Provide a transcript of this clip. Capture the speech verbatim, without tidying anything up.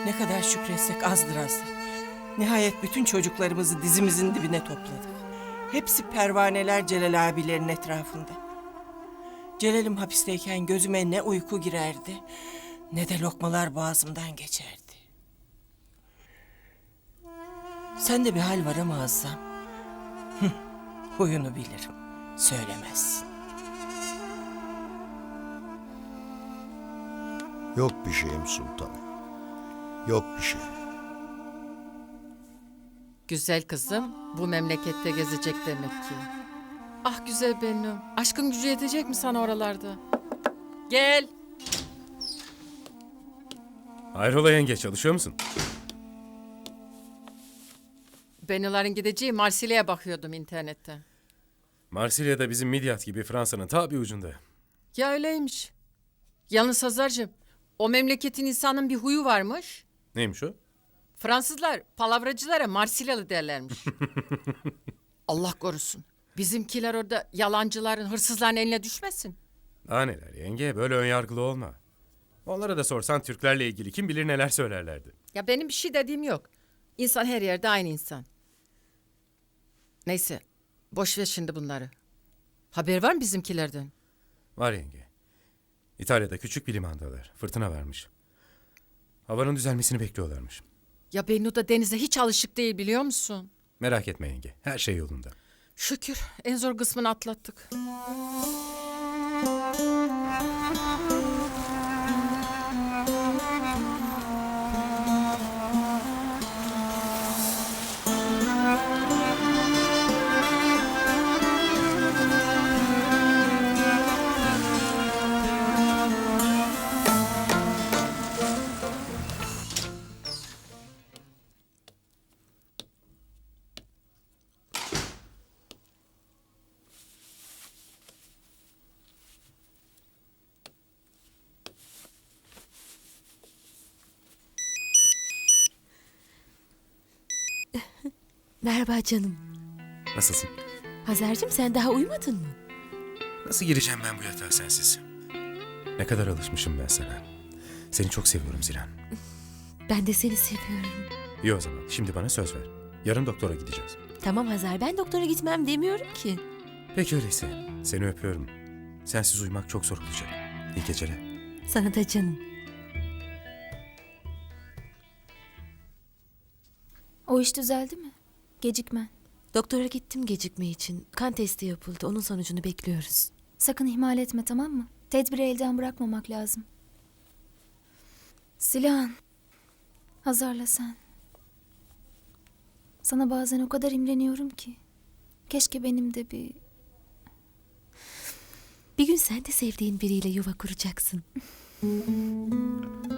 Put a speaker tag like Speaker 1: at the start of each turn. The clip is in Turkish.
Speaker 1: Ne kadar şükretsek azdır Aslan. Nihayet bütün çocuklarımızı dizimizin dibine topladık. Hepsi pervaneler Celal abilerin etrafında. Celal'im hapisteyken gözüme ne uyku girerdi, ne de lokmalar boğazımdan geçerdi. Sende bir hal var ama Azam. Hıh, huyunu bilirim, söylemezsin.
Speaker 2: Yok bir şeyim sultanım. Yok bir şey.
Speaker 3: Güzel kızım bu memlekette gezecek demek ki. Ah güzel benim. Aşkın gücü yetecek mi sana oralarda? Gel.
Speaker 4: Hayrola yenge, çalışıyor musun?
Speaker 3: Bennuların gideceği Marsilya'ya bakıyordum internette.
Speaker 4: Marsilya'da bizim Midyat gibi Fransa'nın ta bir ucunda.
Speaker 3: Ya öyleymiş. Yalnız Hazar'cığım o memleketin insanın bir huyu varmış.
Speaker 4: Neymiş o?
Speaker 3: Fransızlar palavracılara Marsilyalı derlermiş. Allah korusun. Bizimkiler orada yalancıların, hırsızların eline düşmesin.
Speaker 4: Daha neler yenge, böyle önyargılı olma. Onlara da sorsan Türklerle ilgili kim bilir neler söylerlerdi.
Speaker 3: Ya benim bir şey dediğim yok. İnsan her yerde aynı insan. Neyse, boş ver şimdi bunları. Haber var mı bizimkilerden?
Speaker 4: Var yenge. İtalya'da küçük bir limandalar. Fırtına varmış. Havanın düzelmesini bekliyorlarmış.
Speaker 3: Ya Bennu da denize hiç alışık değil biliyor musun?
Speaker 4: Merak etme yenge, her şey yolunda.
Speaker 3: Şükür en zor kısmını atlattık.
Speaker 5: Merhaba canım.
Speaker 4: Nasılsın?
Speaker 5: Hazar'cığım sen daha uyumadın mı?
Speaker 4: Nasıl gireceğim ben bu yatağa sensiz? Ne kadar alışmışım ben sana. Seni çok seviyorum Zilan.
Speaker 5: Ben de seni seviyorum.
Speaker 4: İyi o zaman, şimdi bana söz ver. Yarın doktora gideceğiz.
Speaker 5: Tamam Hazar, ben doktora gitmem demiyorum ki.
Speaker 4: Peki öyleyse. Seni öpüyorum. Sensiz uyumak çok zor olacak. İyi geceler.
Speaker 5: Sana da canım.
Speaker 6: O iş düzeldi mi? Gecikmen.
Speaker 5: Doktora gittim gecikme için. Kan testi yapıldı. Onun sonucunu bekliyoruz.
Speaker 6: Sakın ihmal etme, tamam mı? Tedbiri elden bırakmamak lazım. Silahın. Hazarla sen. Sana bazen o kadar imreniyorum ki. Keşke benim de bir...
Speaker 5: Bir gün sen de sevdiğin biriyle yuva kuracaksın.